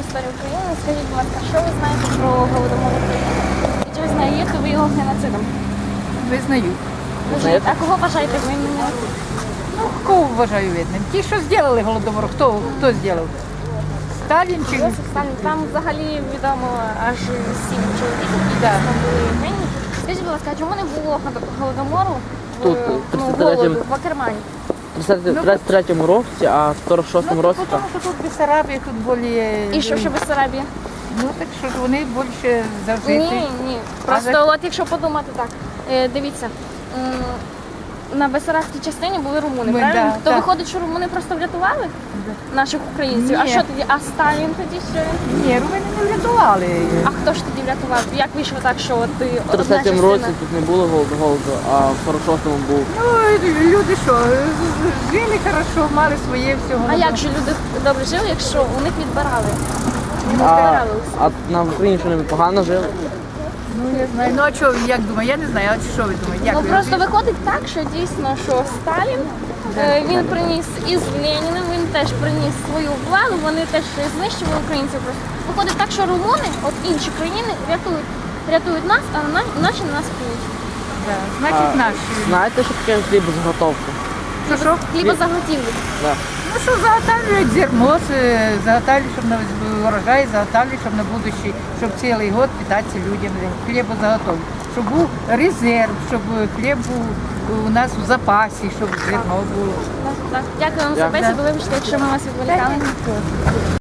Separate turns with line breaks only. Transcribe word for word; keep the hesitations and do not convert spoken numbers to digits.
історію України. Скажіть, будь ласка, що ви знаєте про Голодомор України? І чи визнаєте ви його геноцидом?
Визнаю.
А кого вважаєте винним?
Ну, кого вважаю видним? Ті, що зробили Голодомор, хто, хто зробив? Сталін чи...
Йосиф Сталін. Там взагалі відомо аж сім чоловік, які
Да.
дійсно були винні. Скажіть, будь ласка, а чому не було Голодомору в,
Тут,
ну,
в тридцять третьому
голоду в Акермані?
В тридцять третьому році, а в сорок шостому
Ну,
році
тому
так.
що тут Бессарабія, тут більше...
І що ще Бессарабія?
Ну, так що ж вони більше завжди...
Ні, ні. Просто
за-
от якщо подумати так, е, дивіться, м, на Бессарабській частині були румуни,
Ми,
правильно?
да,
То
так.
виходить, що румуни просто врятували наших українців. А
Ні.
що тоді? А Сталін тоді що? він?
Ні, вони не врятували.
А хто ж тоди врятував? Як вийшло так, що от ти
В
одна
тридцять третьому році
частина?
тут не було голоду, голоду, а в сорок шостому був.
Ну, люди що, жили хорошо, мали своє всього.
А як же люди добре жили, якщо у них відбирали? Не
А,
відбирали усе.
а на Україні що не погано жили?
Ну, я знаю. Ну, а що, як думаю? Я не знаю, а що ви думаєте? Як
Ну
ви?
просто виходить так, що дійсно, що Сталін е, він приніс із Леніним, він теж приніс свою владу, вони теж знищували українців. Просто виходить так, що румуни, от інші країни рятують, рятують нас, а на- наші на нас п'ють.
Да. Значить,
А,
наші.
знаєте, що таке хлібозаготовка?
Що, що?
Хлібозаготівлі.
Да.
Ну, що заготавлюють зерно, е, заготавлюють, щоб на урожай, заготавлюють, щоб на будущий, щоб цілий год питатися людям, хлібозаготовки. Щоб був резерв, щоб хліб був у нас в запасі, щоб зерно було.
Так, так. Дякую вам за
Дякую.
бесіду. Вибачте, якщо ми вас відволікали.